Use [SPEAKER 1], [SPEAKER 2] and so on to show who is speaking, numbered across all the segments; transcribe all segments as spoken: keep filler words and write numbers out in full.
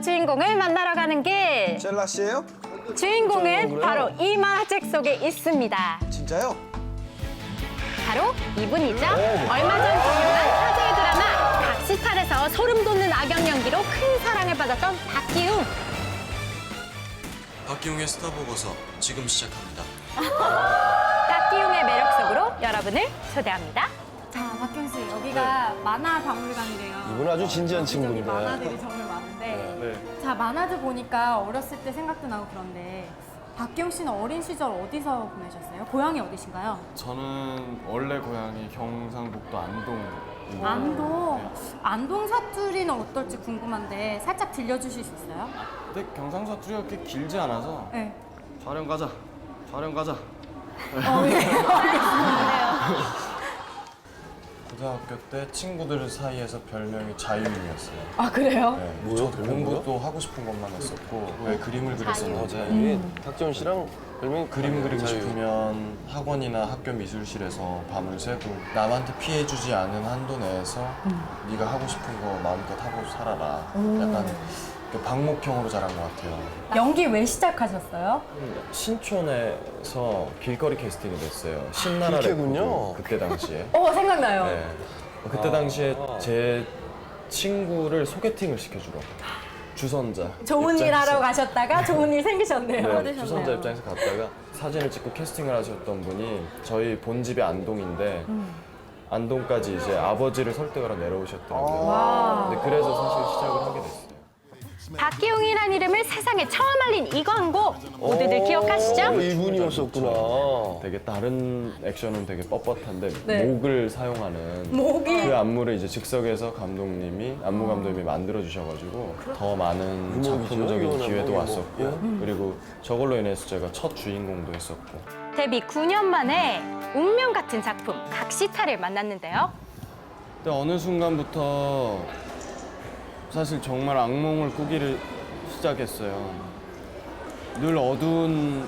[SPEAKER 1] 주인공을 만나러 가는 길.
[SPEAKER 2] 젤라 씨예요?
[SPEAKER 1] 주인공은 바로 이 만화책 속에 있습니다.
[SPEAKER 2] 진짜요?
[SPEAKER 1] 바로 이분이죠. 얼마 전 개봉한 화제의 드라마 각시탈에서 소름 돋는 악역 연기로 큰 사랑을 받았던 박기웅.
[SPEAKER 3] 박기웅의 스타 보고서 지금 시작합니다.
[SPEAKER 1] 박기웅의 매력 속으로 여러분을 초대합니다.
[SPEAKER 4] 자, 박경 씨, 여기가 만화 박물관이래요.
[SPEAKER 5] 이분 아주 진지한 친구인데.
[SPEAKER 4] 여기 만화들이 정말 많은데.
[SPEAKER 5] 네.
[SPEAKER 4] 자, 만화들 보니까 어렸을 때 생각도 나고 그런데 박경 씨는 어린 시절 어디서 보내셨어요? 고향이 어디신가요?
[SPEAKER 6] 저는 원래 고향이 경상북도 안동입니다.
[SPEAKER 4] 안동. 안동 사투리는 어떨지 궁금한데 살짝 들려주실 수 있어요?
[SPEAKER 6] 근데 경상 사투리가 그렇게 길지 않아서
[SPEAKER 4] 네.
[SPEAKER 6] 촬영 가자, 촬영 가자.
[SPEAKER 4] 어, 예. 알겠습니다.
[SPEAKER 6] 고등학교 때 친구들 사이에서 별명이 자유인이었어요.
[SPEAKER 4] 아, 그래요?
[SPEAKER 6] 네,
[SPEAKER 5] 뭐야,
[SPEAKER 6] 저도
[SPEAKER 5] 별명이요?
[SPEAKER 6] 공부도 하고 싶은 것만 했었고 왜 그림을 그렸었는데
[SPEAKER 5] 음. 박지원 씨랑 별명이
[SPEAKER 6] 그림 그리고
[SPEAKER 5] 자유.
[SPEAKER 6] 싶으면 학원이나 학교 미술실에서 밤을 새고 남한테 피해주지 않은 한도 내에서 네가 하고 싶은 거 마음껏 하고 살아라. 약간 그 방목형으로 자란 것 같아요.
[SPEAKER 4] 연기 왜 시작하셨어요?
[SPEAKER 6] 신촌에서 길거리 캐스팅이 됐어요. 신나라
[SPEAKER 5] 그렇게군요.
[SPEAKER 6] 레코드 그때 당시에.
[SPEAKER 4] 어, 생각나요.
[SPEAKER 6] 네. 그때 당시에 제 친구를 소개팅을 시켜주러 주선자.
[SPEAKER 4] 좋은 일
[SPEAKER 6] 입장에서.
[SPEAKER 4] 하러 가셨다가 좋은 일 생기셨네요.
[SPEAKER 6] 네, 주선자 입장에서 갔다가 사진을 찍고 캐스팅을 하셨던 분이 저희 본집이 안동인데 안동까지 이제 아버지를 설득하러 내려오셨더라고요. 근데 그래서 사실 시작을 하게 됐어요.
[SPEAKER 1] 박기웅이란 이름을 세상에 처음 알린 이 광고 모두들
[SPEAKER 5] 어,
[SPEAKER 1] 기억하시죠?
[SPEAKER 5] 이분이었었구나.
[SPEAKER 6] 되게 다른 액션은 되게 뻣뻣한데
[SPEAKER 4] 네.
[SPEAKER 6] 목을 사용하는
[SPEAKER 4] 목이?
[SPEAKER 6] 그 안무를 이제 즉석에서 감독님이 안무 감독님이 만들어 주셔가지고 더 많은 작품적인
[SPEAKER 5] 이거는
[SPEAKER 6] 기회도
[SPEAKER 5] 뭐,
[SPEAKER 6] 왔었고
[SPEAKER 5] 예.
[SPEAKER 6] 그리고 저걸로 인해서 제가 첫 주인공도 했었고
[SPEAKER 1] 데뷔 구 년 만에 운명 같은 작품 각시탈을 만났는데요.
[SPEAKER 6] 근데 어느 순간부터 사실 정말 악몽을 꾸기를 시작했어요. 늘 어두운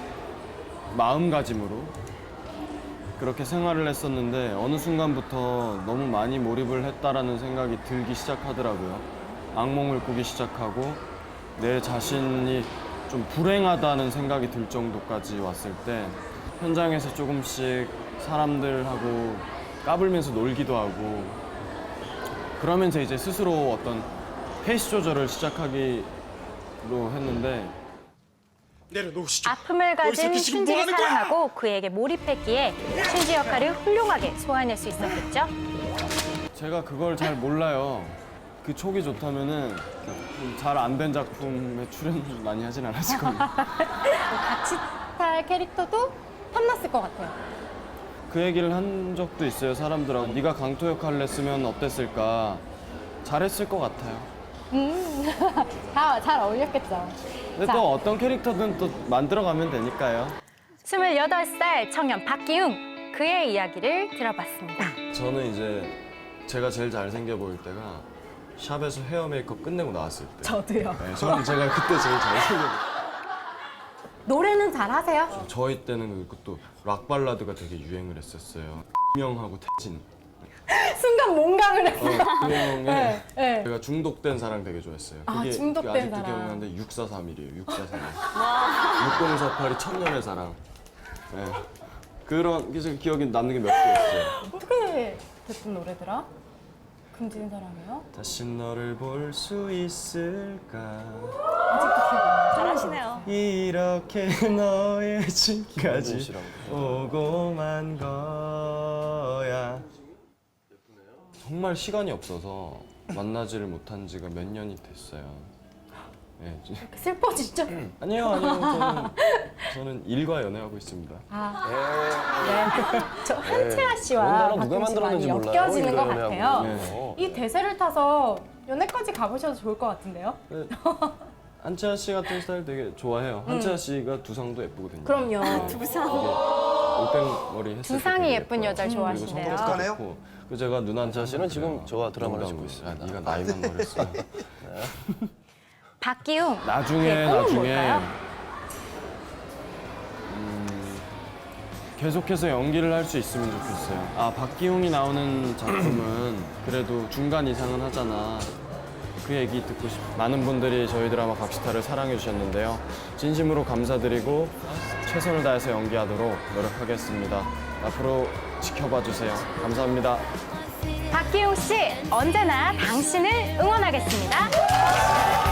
[SPEAKER 6] 마음가짐으로 그렇게 생활을 했었는데 어느 순간부터 너무 많이 몰입을 했다라는 생각이 들기 시작하더라고요. 악몽을 꾸기 시작하고 내 자신이 좀 불행하다는 생각이 들 정도까지 왔을 때 현장에서 조금씩 사람들하고 까불면서 놀기도 하고 그러면서 이제 스스로 어떤 페이스 조절을 시작하기로 했는데
[SPEAKER 3] 내려놓으시죠.
[SPEAKER 1] 아픔을 가진
[SPEAKER 3] 너희 새끼 지금 뭐
[SPEAKER 1] 춘지를
[SPEAKER 3] 하는 거야?
[SPEAKER 1] 사랑하고 그에게 몰입했기에 춘지 역할을 훌륭하게 소화해낼 수 있었겠죠.
[SPEAKER 6] 제가 그걸 잘 몰라요. 그 촉이 좋다면은 잘 안 된 작품에 출연 많이 하진 않았을 겁니다.
[SPEAKER 4] 각시탈 캐릭터도 탐났을 것 같아요.
[SPEAKER 6] 그 얘기를 한 적도 있어요, 사람들하고. 네가 강토 역할을 했으면 어땠을까? 잘했을 것 같아요.
[SPEAKER 4] 다 잘 어울렸겠죠.
[SPEAKER 6] 근데
[SPEAKER 4] 자.
[SPEAKER 6] 또 어떤 캐릭터든 또 만들어가면 되니까요.
[SPEAKER 1] 스물여덟 살 청년 박기웅, 그의 이야기를 들어봤습니다.
[SPEAKER 6] 저는 이제 제가 제일 잘생겨 보일 때가 샵에서 헤어 메이크업 끝내고 나왔을 때.
[SPEAKER 4] 저도요.
[SPEAKER 6] 네, 저는 제가 그때 제일 잘생겨 보여요.
[SPEAKER 4] 노래는 잘 하세요?
[SPEAKER 6] 저희 때는 그것도 락 발라드가 되게 유행을 했었어요. 명하고 태진.
[SPEAKER 4] 순간 몽강을 했어요.
[SPEAKER 6] 어, 그 형의
[SPEAKER 4] 네, 네.
[SPEAKER 6] 제가 중독된 사랑 되게 좋아했어요.
[SPEAKER 4] 아,
[SPEAKER 6] 그게
[SPEAKER 4] 중독된
[SPEAKER 6] 아직도
[SPEAKER 4] 사랑.
[SPEAKER 6] 기억나는데 육사삼일이에요. 육사삼일. 육공사팔이 천년의 사랑. 네. 그런 게 지금 기억이 남는 게 몇 개 있어요.
[SPEAKER 4] 어떻게 됐던 노래더라? 금지는 사랑이요?
[SPEAKER 6] 다시 너를 볼 수 있을까?
[SPEAKER 4] 아직도 기억 안 나요.
[SPEAKER 1] 잘하시네요.
[SPEAKER 6] 이렇게 너의 집까지
[SPEAKER 5] 씨랑
[SPEAKER 6] 오고만 거야. 정말 시간이 없어서 만나지를 못한 지가 몇 년이 됐어요. 네, 지-
[SPEAKER 4] 슬퍼지죠?
[SPEAKER 6] 아니요, 아니요. 저는, 저는 일과 연애하고 있습니다.
[SPEAKER 4] 아, 네. 저 한채아
[SPEAKER 5] 그런
[SPEAKER 4] 씨와
[SPEAKER 5] 단어 누가
[SPEAKER 4] 박경 씨 많이
[SPEAKER 5] 만들었는지 몰라요.
[SPEAKER 4] 엮여지는 것
[SPEAKER 5] 이거
[SPEAKER 4] 같아요.
[SPEAKER 5] 연애하고.
[SPEAKER 6] 네.
[SPEAKER 4] 이 대세를 타서 연애까지 가보셔도 좋을 것 같은데요?
[SPEAKER 6] 네. 한채아 씨 같은 스타일 되게 좋아해요. 한채아 씨가 두상도 예쁘거든요.
[SPEAKER 4] 그럼요.
[SPEAKER 1] 두상.
[SPEAKER 6] 올백머리 했을 때
[SPEAKER 1] 두상이
[SPEAKER 6] 되게
[SPEAKER 1] 예쁜
[SPEAKER 6] 예뻐요.
[SPEAKER 1] 여자를
[SPEAKER 6] 그리고
[SPEAKER 1] 좋아하시네요.
[SPEAKER 6] 성격도
[SPEAKER 2] 똑똑하네요.
[SPEAKER 6] 좋고. 그리고 제가 누나한테
[SPEAKER 5] 씨는 지금 저와 드라마를
[SPEAKER 6] 농담으로.
[SPEAKER 5] 찍고 있습니다.
[SPEAKER 6] 야, 네가 나이만 어렸어.
[SPEAKER 1] 박기웅,
[SPEAKER 6] 나중에
[SPEAKER 1] 그의 꿈은
[SPEAKER 6] 나중에
[SPEAKER 1] 뭘까요?
[SPEAKER 6] 음, 계속해서 연기를 할 수 있으면 좋겠어요. 아 박기웅이 나오는 작품은 그래도 중간 이상은 하잖아. 그 얘기 듣고 싶 많은 분들이 저희 드라마 각시타를 사랑해 주셨는데요. 진심으로 감사드리고 최선을 다해서 연기하도록 노력하겠습니다. 앞으로 지켜봐 주세요. 감사합니다.
[SPEAKER 1] 박기용 씨, 언제나 당신을 응원하겠습니다.